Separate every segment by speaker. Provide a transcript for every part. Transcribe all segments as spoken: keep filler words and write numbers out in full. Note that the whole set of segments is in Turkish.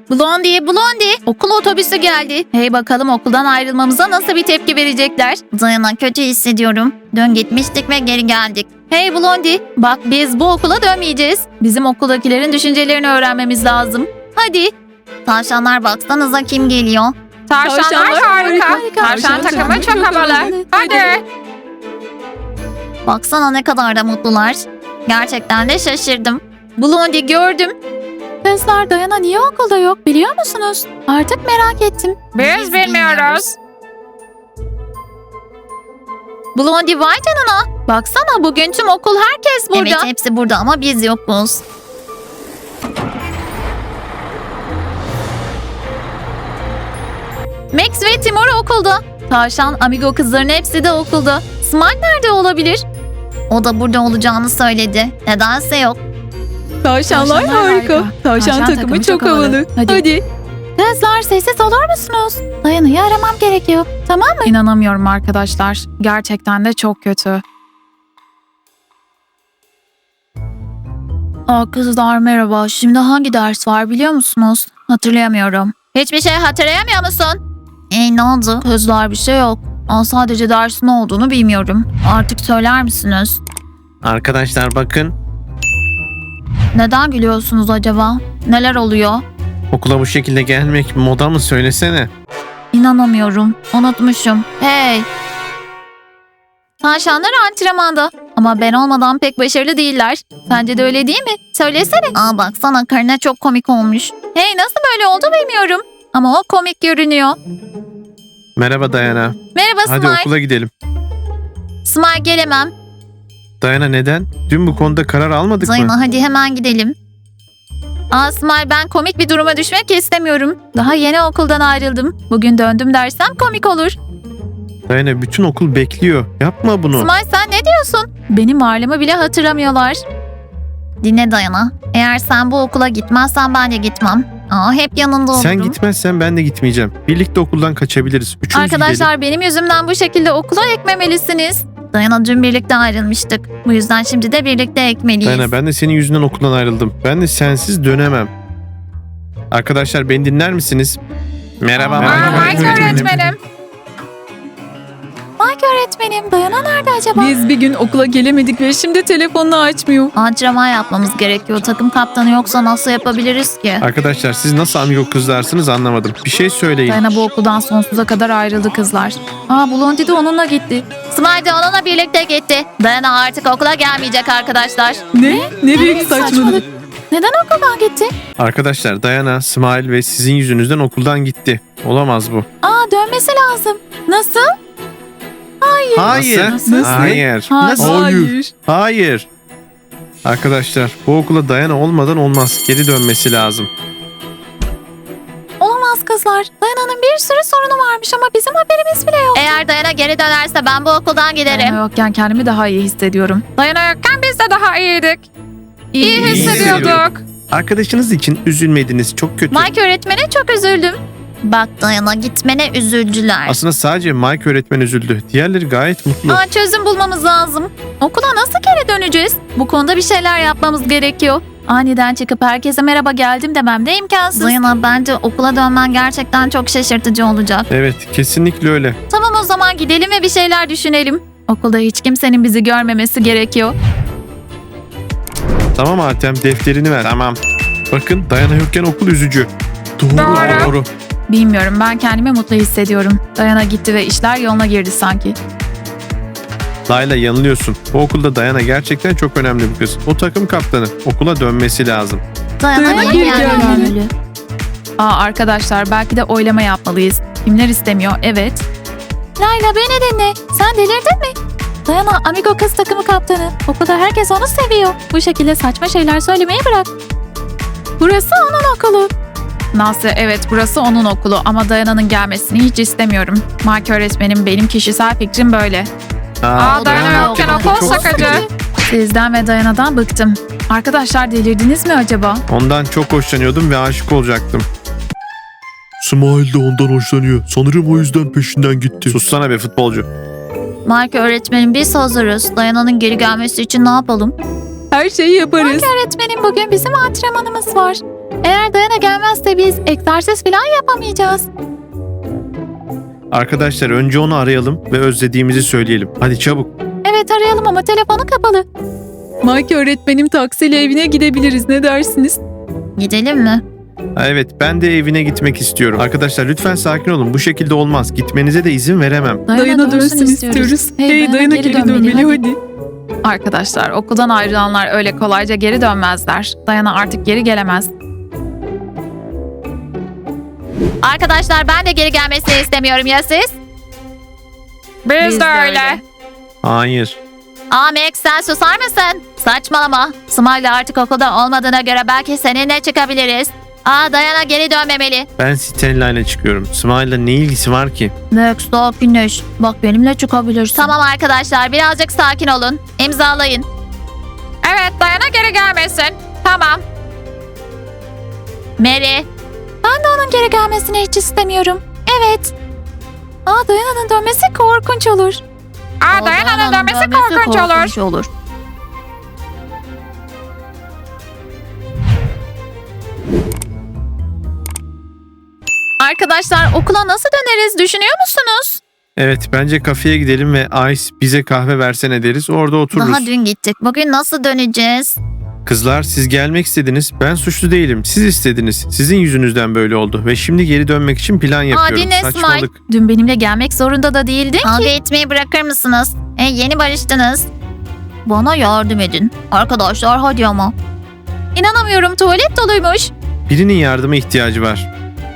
Speaker 1: Blondie, Blondie. Okul otobüsü geldi. Hey bakalım okuldan ayrılmamıza nasıl bir tepki verecekler?
Speaker 2: Dayana, kötü hissediyorum. Dün gitmiştik ve geri geldik.
Speaker 1: Hey Blondie, bak biz bu okula dönmeyeceğiz. Bizim okuldakilerin düşüncelerini öğrenmemiz lazım. Hadi.
Speaker 2: Tavşanlar, baksanıza kim geliyor.
Speaker 3: Tavşanlar harika. Tavşan takımı çok havalı. Hadi.
Speaker 2: Baksana ne kadar da mutlular. Gerçekten de şaşırdım.
Speaker 1: Blondie gördüm. Kızlar, Dayana niye okulda yok biliyor musunuz? Artık merak ettim.
Speaker 3: Biz bilmiyoruz.
Speaker 1: Blondie vay canına. Baksana bugün tüm okul herkes burada.
Speaker 2: Evet, hepsi burada ama biz yokuz.
Speaker 1: Max ve Timur okulda. Tavşan, Amigo kızların hepsi de okulda. Smile nerede olabilir?
Speaker 2: O da burada olacağını söyledi. Nedense yok.
Speaker 4: Tavşanlar,
Speaker 1: Tavşanlar
Speaker 4: harika.
Speaker 1: harika.
Speaker 4: Tavşan,
Speaker 1: Tavşan
Speaker 4: takımı,
Speaker 1: takımı
Speaker 4: çok
Speaker 1: çok
Speaker 4: havalı.
Speaker 1: havalı.
Speaker 4: Hadi.
Speaker 1: Hadi. Kızlar sessiz olur musunuz? Dayana'yı aramam gerekiyor. Tamam mı? İnanamıyorum arkadaşlar. Gerçekten de çok kötü. Aa, kızlar merhaba. Şimdi hangi ders var biliyor musunuz? Hatırlayamıyorum. Hiçbir şey hatırlayamıyor musun?
Speaker 2: E ne oldu?
Speaker 1: Kızlar bir şey yok. Aa, sadece dersin ne olduğunu bilmiyorum. Artık söyler misiniz?
Speaker 5: Arkadaşlar bakın,
Speaker 1: Neden gülüyorsunuz acaba? Neler oluyor?
Speaker 5: okula bu şekilde gelmek moda mı, söylesene.
Speaker 1: İnanamıyorum. Unutmuşum. Hey! Tavşanlar antrenmanda. Ama ben olmadan pek başarılı değiller. Sence de öyle değil mi? Söylesene.
Speaker 2: Aa, baksana, Karina çok komik olmuş.
Speaker 1: Hey, nasıl böyle oldu bilmiyorum. Ama o komik görünüyor.
Speaker 5: Merhaba Dayana.
Speaker 1: Merhaba
Speaker 5: Hadi
Speaker 1: Smile.
Speaker 5: okula gidelim.
Speaker 1: Smile gelemem.
Speaker 5: Dayana neden? Dün bu konuda karar almadık mı?
Speaker 2: Dayana, hadi hemen gidelim.
Speaker 1: Aa Smile, ben komik bir duruma düşmek istemiyorum. Daha yeni okuldan ayrıldım. Bugün döndüm dersem komik olur.
Speaker 5: Dayana, bütün okul bekliyor. Yapma bunu.
Speaker 1: Smile, sen ne diyorsun? Benim varlığımı bile hatırlamıyorlar.
Speaker 2: Dinle Dayana. Eğer sen bu okula gitmezsen ben de gitmem. Aa, hep yanında olurum.
Speaker 5: Sen gitmezsen ben de gitmeyeceğim. Birlikte okuldan kaçabiliriz. Üçümüz gidelim.
Speaker 1: Arkadaşlar, benim yüzümden bu şekilde okula ekmemelisiniz.
Speaker 2: Dayana, dün birlikte ayrılmıştık. Bu yüzden şimdi de birlikte ekmeliyiz.
Speaker 5: Dayana, ben de senin yüzünden okuldan ayrıldım. Ben de sensiz dönemem. Arkadaşlar, beni dinler misiniz? Merhaba.
Speaker 1: Aa,
Speaker 3: Aa,
Speaker 1: Mike
Speaker 3: Mike öğretmenim.
Speaker 1: Mike öğretmenim, Dayana nerede acaba?
Speaker 4: Biz bir gün okula gelemedik ve şimdi telefonunu açmıyor.
Speaker 2: Antrenman yapmamız gerekiyor. Takım kaptanı yoksa nasıl yapabiliriz ki?
Speaker 5: Arkadaşlar, siz nasıl amigo kızlarsınız anlamadım. Bir şey söyleyin.
Speaker 1: Dayana bu okuldan sonsuza kadar ayrıldı kızlar. Aa, Blondie de onunla gitti.
Speaker 2: Smile de onunla birlikte gitti. Dayana artık okula gelmeyecek arkadaşlar.
Speaker 4: Ne? Ne büyük saçmalık.
Speaker 1: Neden okuldan gitti?
Speaker 5: Arkadaşlar, Dayana, Smile ve sizin yüzünüzden okuldan gitti. Olamaz bu.
Speaker 1: Aa, dönmesi lazım. Nasıl?
Speaker 5: Hayır.
Speaker 1: Nasıl?
Speaker 5: Hayır.
Speaker 1: Ha,
Speaker 5: Hayır. Hayır. Arkadaşlar, bu okula Dayana olmadan olmaz. Geri dönmesi lazım.
Speaker 1: Olamaz kızlar. Dayana'nın bir sürü sorunu varmış ama bizim haberimiz bile yok.
Speaker 2: Eğer Dayana geri dönerse ben bu okuldan giderim.
Speaker 1: Dayana yokken kendimi daha iyi hissediyorum.
Speaker 3: Dayana yokken biz de daha iyiydik. İyi
Speaker 5: İyi
Speaker 3: hissediyorduk.
Speaker 5: Arkadaşınız için üzülmediniz. Çok kötü.
Speaker 1: Mike öğretmene çok üzüldüm.
Speaker 2: Bak Dayana, gitmene üzüldüler.
Speaker 5: Aslında sadece Mike öğretmen üzüldü. Diğerleri gayet mutlu.
Speaker 1: Aa, çözüm bulmamız lazım. Okula nasıl geri döneceğiz? Bu konuda bir şeyler yapmamız gerekiyor. Aniden çıkıp herkese merhaba geldim demem de imkansız.
Speaker 2: Dayana, bence okula dönmen gerçekten çok şaşırtıcı olacak.
Speaker 5: Evet, kesinlikle öyle.
Speaker 1: Tamam, o zaman gidelim ve bir şeyler düşünelim. Okulda hiç kimsenin bizi görmemesi gerekiyor.
Speaker 5: Tamam Artem, defterini ver. Tamam. Bakın, Dayana yokken okul üzücü. Doğru.
Speaker 3: Doğru.
Speaker 5: Doğru.
Speaker 1: Bilmiyorum, ben kendimi mutlu hissediyorum. Dayana gitti ve işler yoluna girdi sanki.
Speaker 5: Layla, yanılıyorsun. Bu okulda Dayana gerçekten çok önemli bir kız. O takım kaptanı. Okula dönmesi lazım.
Speaker 2: Dayana
Speaker 4: Dayana
Speaker 2: geri
Speaker 4: geri
Speaker 2: gelmeli.
Speaker 4: gelmeli.
Speaker 1: Aa arkadaşlar, belki de oylama yapmalıyız. Kimler istemiyor? Evet. Layla, beni dinle. Sen delirdin mi? Dayana Amigo kız takımı kaptanı. Okulda herkes onu seviyor. Bu şekilde saçma şeyler söylemeyi bırak. Burası onun okulu. Nasıl? Evet, burası onun okulu ama Dayana'nın gelmesini hiç istemiyorum. Mike öğretmenim, benim kişisel fikrim böyle.
Speaker 3: Aa, Dayana yokken okul sıkıcı.
Speaker 1: Sizden ve Dayana'dan bıktım. Arkadaşlar, delirdiniz mi acaba?
Speaker 5: Ondan çok hoşlanıyordum ve aşık olacaktım.
Speaker 6: Smile de ondan hoşlanıyor. Sanırım o yüzden peşinden gitti.
Speaker 5: Sussana be futbolcu.
Speaker 2: Mike öğretmenim, biz hazırız. Dayana'nın geri gelmesi için ne yapalım?
Speaker 4: Her şeyi yaparız.
Speaker 1: Öğretmenim, bugün bizim antrenmanımız var. Eğer Dayana gelmezse biz egzersiz falan yapamayacağız.
Speaker 5: Arkadaşlar önce onu arayalım ve özlediğimizi söyleyelim. Hadi çabuk.
Speaker 1: Evet arayalım ama telefonu kapalı.
Speaker 4: Mike öğretmenim taksiyle evine gidebiliriz. Ne dersiniz?
Speaker 2: Gidelim mi?
Speaker 5: Ha, evet ben de evine gitmek istiyorum. Arkadaşlar lütfen sakin olun. Bu şekilde olmaz. Gitmenize de izin veremem.
Speaker 4: Dayana dönsün istiyoruz. Hey, Dayana geri dönmeli hadi.
Speaker 1: Arkadaşlar okuldan ayrılanlar öyle kolayca geri dönmezler. Dayana artık geri gelemez.
Speaker 2: Arkadaşlar ben de geri gelmesini istemiyorum ya siz?
Speaker 3: Biz, de öyle.
Speaker 5: Hayır.
Speaker 2: Aa Max sen susar mısın? Saçmalama. Smile artık okulda olmadığına göre belki seninle çıkabiliriz. Aa Dayana geri dönmemeli.
Speaker 5: Ben Stella ile çıkıyorum. Smile'la ne ilgisi var ki?
Speaker 2: Max sakinleş. Bak benimle çıkabilirsin. Tamam arkadaşlar birazcık sakin olun. İmzalayın.
Speaker 3: Evet Dayana geri gelmesin. Tamam.
Speaker 2: Mary.
Speaker 1: Ben de onun geri gelmesini hiç istemiyorum. Evet. Aa Dayana'nın dönmesi korkunç olur.
Speaker 3: Aa Dayana'nın dönmesi korkunç olur.
Speaker 2: olur.
Speaker 1: Arkadaşlar okula nasıl döneriz düşünüyor musunuz?
Speaker 5: Evet bence kafeye gidelim ve Ice bize kahve versene deriz. Orada otururuz.
Speaker 2: Daha dün gittik. Bugün nasıl döneceğiz?
Speaker 5: Kızlar siz gelmek istediniz. Ben suçlu değilim. Siz istediniz. Sizin yüzünüzden böyle oldu. Ve şimdi geri dönmek için plan yapıyorum.
Speaker 2: dinle Smile.
Speaker 5: Saçmalık.
Speaker 1: Dün benimle gelmek zorunda da değildin
Speaker 2: Kavga
Speaker 1: ki.
Speaker 2: etmeyi bırakır mısınız? E, yeni barıştınız. Bana yardım edin. Arkadaşlar hadi ama.
Speaker 1: İnanamıyorum tuvalet doluymuş.
Speaker 5: Birinin yardıma ihtiyacı var.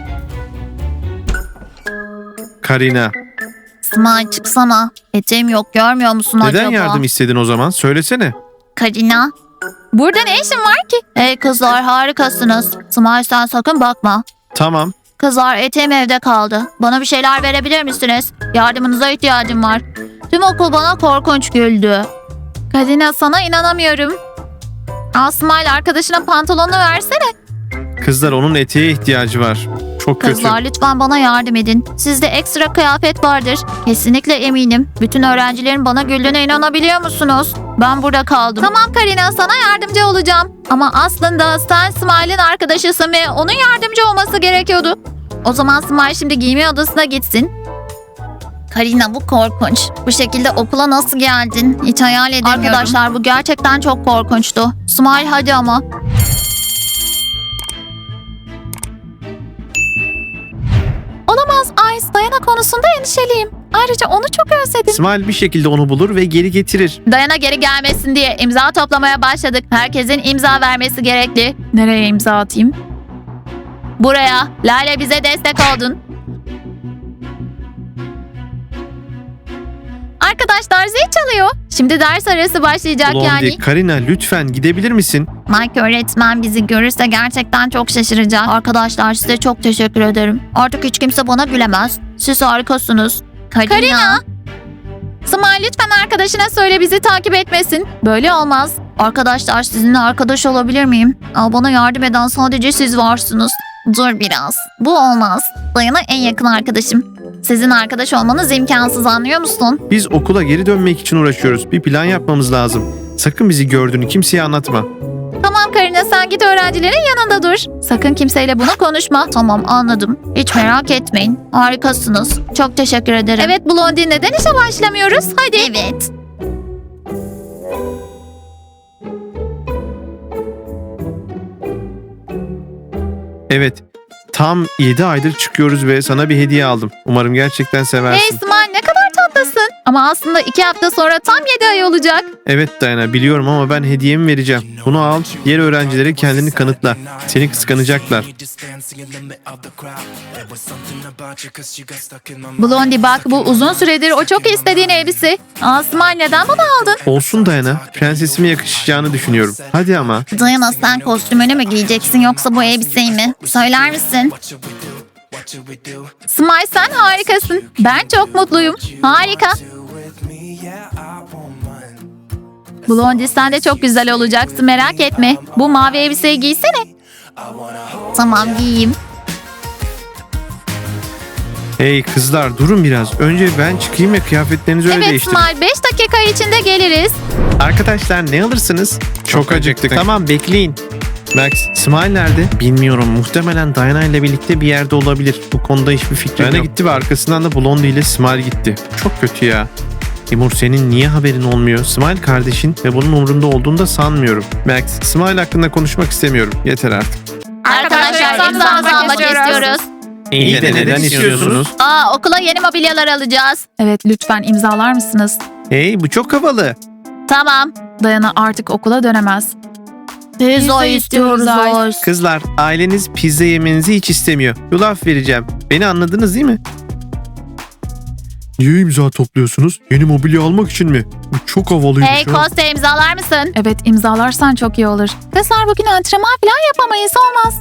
Speaker 5: Karina.
Speaker 2: Smile çıksana. Eteğim yok görmüyor musun
Speaker 5: Neden
Speaker 2: acaba?
Speaker 5: yardım istedin o zaman? Söylesene.
Speaker 2: Karina.
Speaker 1: Burada ne işin var ki?
Speaker 2: Hey kızlar harikasınız. Smile sen sakın bakma.
Speaker 5: Tamam.
Speaker 2: Kızlar eteğim evde kaldı. Bana bir şeyler verebilir misiniz? Yardımınıza ihtiyacım var. Tüm okul bana korkunç güldü.
Speaker 1: Kadina sana inanamıyorum. Al Smile arkadaşına pantolonunu versene.
Speaker 5: Kızlar onun eteğe ihtiyacı var. Çok kötü.
Speaker 2: Kızlar lütfen bana yardım edin. Sizde ekstra kıyafet vardır. Kesinlikle eminim. Bütün öğrencilerin bana güldüğüne inanabiliyor musunuz? Ben burada kaldım.
Speaker 1: Tamam Karina sana yardımcı olacağım. Ama aslında sen Smile'in arkadaşısın ve onun yardımcı olması gerekiyordu.
Speaker 2: O zaman Smile şimdi giyinme odasına gitsin. Karina bu korkunç. Bu şekilde okula nasıl geldin? Hiç hayal edemiyorum. Arkadaşlar bu gerçekten çok korkunçtu. Smile hadi ama.
Speaker 1: Olamaz Ice Dayana konusunda endişeliyim. Ayrıca onu çok özledim.
Speaker 5: Smile bir şekilde onu bulur ve geri getirir.
Speaker 2: Dayana geri gelmesin diye imza toplamaya başladık. Herkesin imza vermesi gerekli.
Speaker 1: Nereye imza atayım?
Speaker 2: Buraya. Lale bize destek oldun.
Speaker 1: Arkadaşlar zil çalıyor.
Speaker 2: Şimdi ders arası başlayacak
Speaker 5: Blondie,
Speaker 2: yani.
Speaker 5: Karina lütfen gidebilir misin?
Speaker 2: Mike öğretmen bizi görürse gerçekten çok şaşıracak. Arkadaşlar size çok teşekkür ederim. Artık hiç kimse bana gülemez. Siz harikasınız. Karina.
Speaker 1: Karina. Smile lütfen arkadaşına söyle bizi takip etmesin. Böyle olmaz.
Speaker 2: Arkadaşlar sizinle arkadaş olabilir miyim? Aa, bana yardım eden sadece siz varsınız. Dur biraz. Bu olmaz. Dayana en yakın arkadaşım. Sizin arkadaş olmanız imkansız anlıyor musun?
Speaker 5: Biz okula geri dönmek için uğraşıyoruz. Bir plan yapmamız lazım. Sakın bizi gördüğünü kimseye anlatma.
Speaker 1: Tamam Karina sen git öğrencilerin yanında dur. Sakın kimseyle bunu konuşma.
Speaker 2: Tamam anladım. Hiç merak etmeyin. Harikasınız. Çok teşekkür ederim.
Speaker 1: Evet Blondie neden işe başlamıyoruz? Hadi.
Speaker 2: Evet.
Speaker 5: Evet. Tam yedi aydır çıkıyoruz ve sana bir hediye aldım. Umarım gerçekten
Speaker 1: Hey
Speaker 5: seversin.
Speaker 1: Smile ne kadar tatlısın. Ama aslında iki hafta sonra tam yedi ay olacak.
Speaker 5: Evet Dayana biliyorum ama ben hediyemi vereceğim. Bunu al, diğer öğrencilere kendini kanıtla. Seni kıskanacaklar.
Speaker 1: Blondie bak bu uzun süredir o çok istediğin elbise. Aa Smile neden bunu aldın?
Speaker 5: Olsun Dayana, prensesime yakışacağını düşünüyorum. Hadi ama.
Speaker 2: Dayana sen kostümünü mü giyeceksin yoksa bu elbiseyi mi? Söyler misin?
Speaker 1: Smile sen harikasın. Ben çok mutluyum. Harika. Blondie sen de çok güzel olacaksın merak etme. Bu mavi elbiseyi giysene.
Speaker 2: Tamam giyeyim.
Speaker 5: Hey kızlar durun biraz. Önce ben çıkayım ve kıyafetlerinizi öyle
Speaker 1: Evet
Speaker 5: değiştirin.
Speaker 1: Smile beş dakika içinde geliriz.
Speaker 5: Arkadaşlar ne alırsınız? Çok acıktık. Tamam bekleyin. Max, Smile nerede? Bilmiyorum. Muhtemelen Diana ile birlikte bir yerde olabilir. Bu konuda hiçbir fikrim Diana yok. gitti ve arkasından da Blondie ile Smile gitti. Çok kötü ya. Timur, senin niye haberin olmuyor? Smile kardeşin ve bunun umurunda olduğunu da sanmıyorum. Max, Smile hakkında konuşmak istemiyorum. Yeter artık.
Speaker 2: Arkadaşlar imzanızı almak istiyoruz.
Speaker 5: İyi de neden istiyorsunuz?
Speaker 2: Aa, okula yeni mobilyalar alacağız.
Speaker 1: Evet, lütfen imzalar mısınız?
Speaker 5: Hey, bu çok havalı.
Speaker 2: Tamam.
Speaker 1: Dayana artık okula dönemez.
Speaker 2: Pizza istiyoruz.
Speaker 5: Kızlar, aileniz pizza yemenizi hiç istemiyor. Yulaf vereceğim. Beni anladınız değil mi?
Speaker 6: Niye imza topluyorsunuz? Yeni mobilya almak için mi? Bu çok havalıymış
Speaker 2: Hey
Speaker 6: ha.
Speaker 2: Kostya, imzalar mısın?
Speaker 1: Evet, imzalarsan çok iyi olur. Kızlar, bugün antrenman falan yapamayız, olmaz.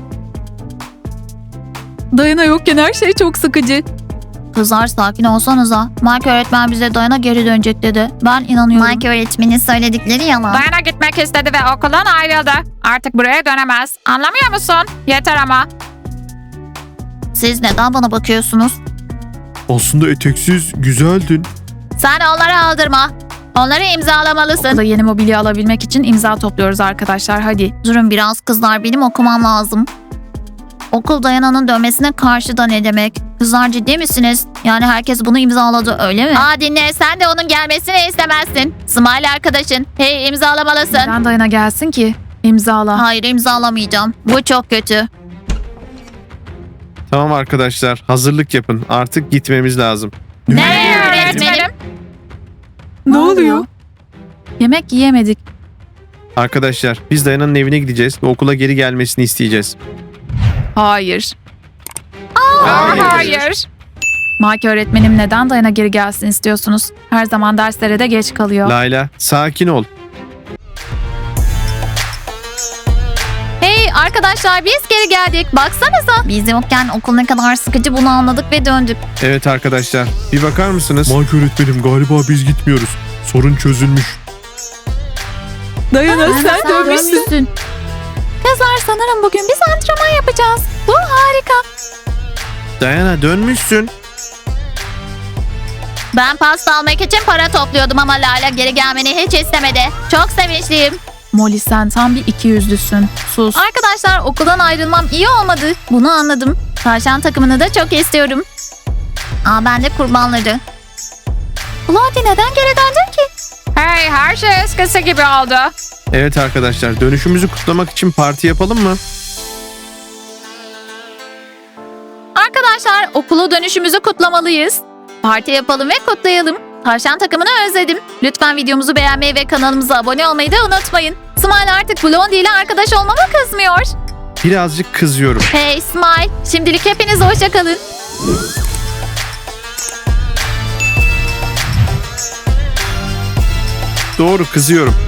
Speaker 4: Dayana yokken her şey çok sıkıcı.
Speaker 2: Kızlar sakin olsanıza. Mike öğretmen bize Dayana geri dönecek dedi. Ben inanıyorum. Mike öğretmenin söyledikleri yalan.
Speaker 3: Dayana gitmek istedi ve okuldan ayrıldı. Artık buraya dönemez. Anlamıyor musun? Yeter ama.
Speaker 2: Siz neden bana bakıyorsunuz?
Speaker 6: Aslında eteksiz güzeldin.
Speaker 2: Sen onları aldırma. Onları imzalamalısın.
Speaker 1: Okulda yeni mobilya alabilmek için imza topluyoruz arkadaşlar, hadi.
Speaker 2: Durun biraz kızlar, benim okumam lazım. Okul Dayana'nın dönmesine karşı da ne demek? Kızlar ciddi misiniz? Yani herkes bunu imzaladı, öyle mi? Aa, dinle, sen de onun gelmesini istemezsin. Smile arkadaşın. Hey, imzalamalısın.
Speaker 1: Neden Dayana gelsin ki? İmzala.
Speaker 2: Hayır, imzalamayacağım. Bu çok kötü.
Speaker 5: Tamam arkadaşlar, hazırlık yapın. Artık gitmemiz lazım.
Speaker 2: Ne öğretmenim?
Speaker 4: Ne oluyor?
Speaker 1: Yemek yiyemedik.
Speaker 5: Arkadaşlar, biz Dayana'nın evine gideceğiz ve okula geri gelmesini isteyeceğiz.
Speaker 1: Hayır.
Speaker 3: Hayır. Hayır.
Speaker 1: Mike öğretmenim, neden Dayana geri gelsin istiyorsunuz? Her zaman derslere de geç kalıyor.
Speaker 5: Layla, sakin ol.
Speaker 2: Hey arkadaşlar, biz geri geldik. Baksanıza. Biz yokken okul ne kadar sıkıcı, bunu anladık ve döndük.
Speaker 5: Evet arkadaşlar, bir bakar mısınız?
Speaker 6: Mike öğretmenim, galiba biz gitmiyoruz. Sorun çözülmüş.
Speaker 4: Dayana sen dönmüşsün.
Speaker 1: Kızlar, sanırım bugün biz antrenman yapacağız. Bu harika.
Speaker 5: Dayana, dönmüşsün.
Speaker 2: Ben pasta almak için para topluyordum ama Lala geri gelmeni hiç istemedi. Çok sevinçliyim.
Speaker 1: Molly, sen tam bir ikiyüzlüsün. Sus.
Speaker 2: Arkadaşlar, okuldan ayrılmam iyi olmadı. Bunu anladım. Tavşan takımını da çok istiyorum. Aa, ben de kurbanları. Blondie neden geri döndün ki?
Speaker 3: Hey, her şey eskisi gibi oldu.
Speaker 5: Evet arkadaşlar, dönüşümüzü kutlamak için parti yapalım mı?
Speaker 2: Arkadaşlar, okula dönüşümüzü kutlamalıyız. Parti yapalım ve kutlayalım. Tavşan takımını özledim. Lütfen videomuzu beğenmeyi ve kanalımıza abone olmayı da unutmayın. Smile artık Blondie ile arkadaş olmama kızmıyor.
Speaker 5: Birazcık kızıyorum.
Speaker 2: Hey Smile, şimdilik hepiniz hoşça kalın.
Speaker 5: Doğru, kızıyorum.